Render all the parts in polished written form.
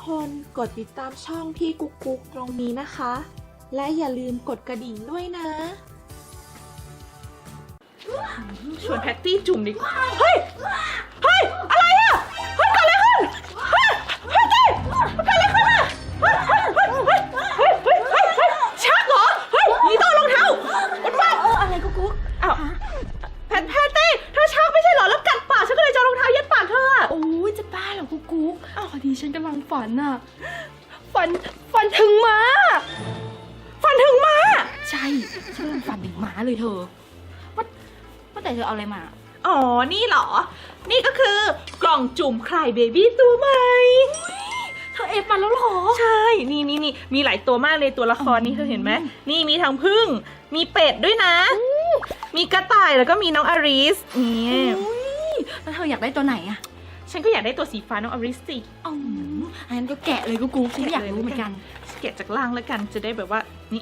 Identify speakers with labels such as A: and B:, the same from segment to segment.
A: คนกดติดตามช่องพี่กุ๊กกุ๊กตรงนี้นะคะ และอย่าลืมกดกระดิ่งด้วยนะ
B: ชวนแพตตี้จุ่มดิเฮ้ยอะไรอ่ะเฮ้ยเกิดอะไรขึ้นเฮ้ยแพตตี้เกิดอะไรขึ้นอ่ะเฮ้ยชักเหรอเฮ้ยนี่ต้องรองเท้ามันว่า
C: อะไรกุ๊กกุ๊ก
B: อ้าวแพตตี้เธอชักไม่ใช่เหรอแล้วกัดปากฉันก็เลยจะรองเท้ายัดปากเธออ่ะ
C: โอ้ยจะบ้าเหรอกุ๊กกุ๊กพอดีฉันกำลังฝันอ่ะฝันถึงม้าใช่ฉันกำลังฝันถึงม้าเลยเธอว่าแต่เธอเอาอะไรมา
B: อ๋อนี่เหรอนี่ก็คือกล่องจุ่มคลายเบบี้ตัวใหม่
C: เธอเอฟมาแล้วหรอ
B: ใช่นี่มีหลายตัวมากเลยตัวละครนี่เธอเห็นไหมนี่มีทั้งผึ้งมีเป็ดด้วยนะมีกระต่ายแล้วก็มีน้องอาริสนี่
C: แล้วเธออยากได้ตัวไหนอะ
B: ฉันก็อยากได้ตัวสีฟ้าน้องอาริสสิ
C: อันนั้นก็แกะเลยกุ๊กฉันอยากรู้เหมือนกัน
B: แกะจากล่างแล้วกันจะได้แบบว่านี่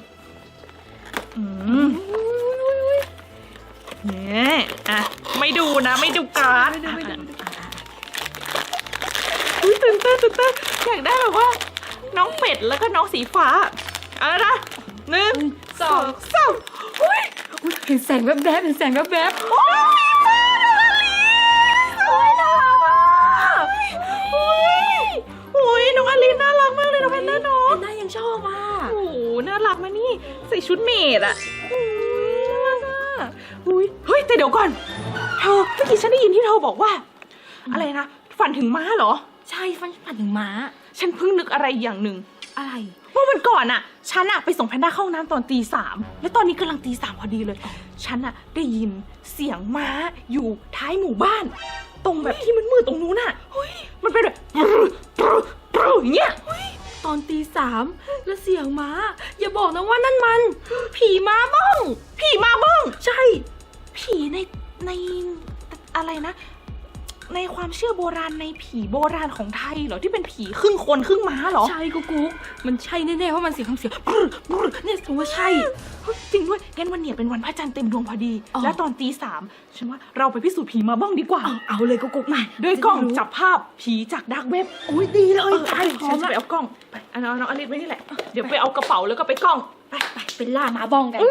B: เนี่ยอ่ะไม่ดูนะไม่ดูการ์ดตื่นเต้นอยากได้แบบว่าน้องเป็ดแล้วก็น้องสีฟ้าเอาละนะ1 2 3
C: เห็นแสงแวบๆ
B: โอ้ยมาโอ้ยน่ารักอ่ะโอ้ยน้องอลินน่ารักมากเลยน้องแพนด้าเนาะ
C: น่ายังชอบอ่ะ
B: โอ้น่ารักมานี่ใส่ชุดเมดอ่ะเฮ้ยแต่เดี๋ยวก่อนเธอเมื่อกี้ฉันได้ยินที่เธอบอกว่าอะไรนะฝันถึงม้าเหรอ
C: ใช่ฝันถึงม้า
B: ฉันเพิ่งนึกอะไรอย่างหนึ่ง
C: อะไร
B: เมื่อวันก่อนอ่ะฉันอ่ะไปส่งแพนด้าเข้าห้องน้ำตอนตี 3แล้วตอนนี้กำลังตี 3พอดีเลยฉันอ่ะได้ยินเสียงม้าอยู่ท้ายหมู่บ้านตรงแบบที่มืดๆตรงนู้นน่ะมันเป็นแบบอย่างเงี้ย
C: ตอนตี 3แล้วเสียงม้าอย่าบอกนะว่านั่นมันผีม้าบ้องใช่
B: ผีในอะไรนะในความเชื่อโบราณในผีโบราณของไทยเหรอที่เป็นผีครึ่งคนครึ่งม้าเหรอ
C: ใช่กุ๊กมันใช่แน่ๆว่ามันเสียงเนี่ยถือว่าใช่
B: จริงด้วยงั้นวันเนี่ยเป็นวันพระจันทร์เต็มดวงพอดีแล้วตอนตี 3ฉันว่าเราไปพิสูจน์ผีมาบ้องดีกว่า
C: เอาเลยกุ๊กมา
B: ด้วยกล้องจับภาพผีจากดาร์กเว็บ
C: อุ้ยดีเลย
B: ใช่ฉันจะไปเอากล้องไปน้องอลิซไว้นี่แหละเดี๋ยวไปเอากระเป๋าแล้วก็ไปกล้อง
C: ไปเป็นล่ามาบ้องกัน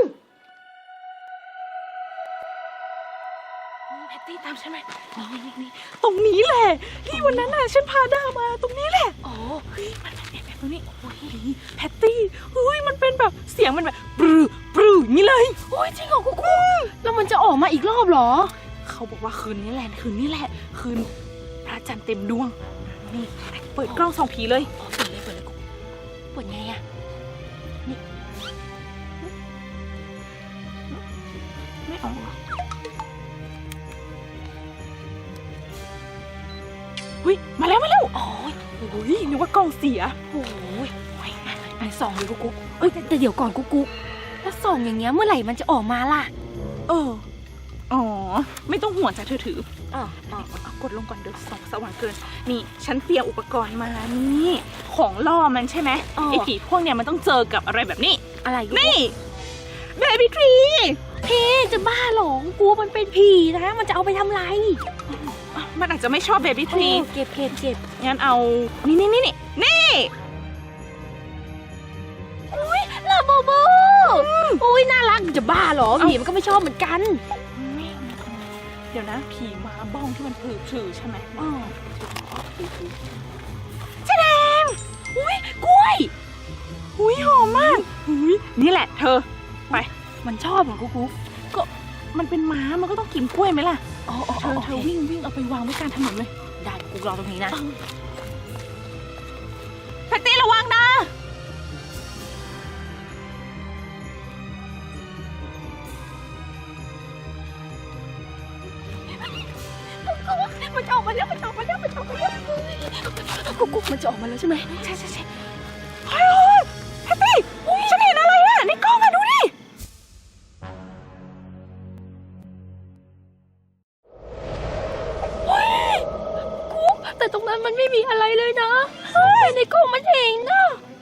B: แพตตี้ตามฉันไหมนี่ตรงนี้แหละที่วันนั้นน่ะฉันพาด้ามาตรงนี้แหละเฮ้ยมันเป็นแบบนี้แพตตี้เฮ้ยมันเป็นแบบเสียงมันแบบปรื้ออย่างนี้เลย
C: โอ้ยจริงเหรอกุ๊กแล้วมันจะออกมาอีกรอบเหรอ
B: เขาบอกว่าคืนนี้แหละคืนพระจันทร์เต็มดวงนี่เปิดกล้องส่องผีเลย
C: เปิดเลยกุ๊กเปิดไงอะนี่
B: ไม่ออกเฮ้ยมาแล้วโอ้ยนึกว่ากล้องเสีย
C: โอ้ยไปส่องเลยกุ๊กแต่เดี๋ยวก่อนกุ๊กแล้วส่องอย่างเงี้ยเมื่อไหร่มันจะออกมาล่ะ
B: อ๋อไม่ต้องห่วงจ้ะเธอถือกดลงก่อนเดี๋ยวส่องสว่างเกินนี่ฉันเตรียมอุปกรณ์มานี่ของล่อมันใช่ไหมไอ้ผีพวกเนี้ยมันต้องเจอกับอะไรแบบนี้
C: อะไร
B: นี่เบบี้ทรี
C: พี่จะบ้าหรอกูมันเป็นผีนะมันจะเอาไปทำไร
B: มันอาจจะไม่ชอบเบบี้ทรี
C: เก็บ
B: งั้นเอานี่
C: อุ้ยลาโบโบอุ้ยน่ารักจะบ้าหรอผีมันก็ไม่ชอบเหมือนกัน
B: เดี๋ยวนะผีมาบ้องที่มันผือใช่ไหม
C: แสดงอุ้ยกล้วย
B: อุ้ยหอมมากอุ้ยนี่แหละเธอไป
C: มันชอบเหรอกุ๊ก
B: ก็มันเป็นม้ามันก็ต้องกินกล้วยไหมล่ะเธอวิ่งเอาไปวางไว้กลางถนนเลย
C: ได้กูรอตรงนี้นะ
B: แพตตี้ระวังนะ
C: มันจะออกมาแล้วกุ๊กมันจะออกมาแล้วใช่ไหม
B: ใช่เฮ้ยแพตตี้ฉันเห็นอะไรอ่ะในกล้องอ่ะดูดิ
C: แต่ตรงนั้นมันไม่มีอะไรเลยนะแต่ในกล้องมันเห็นนะ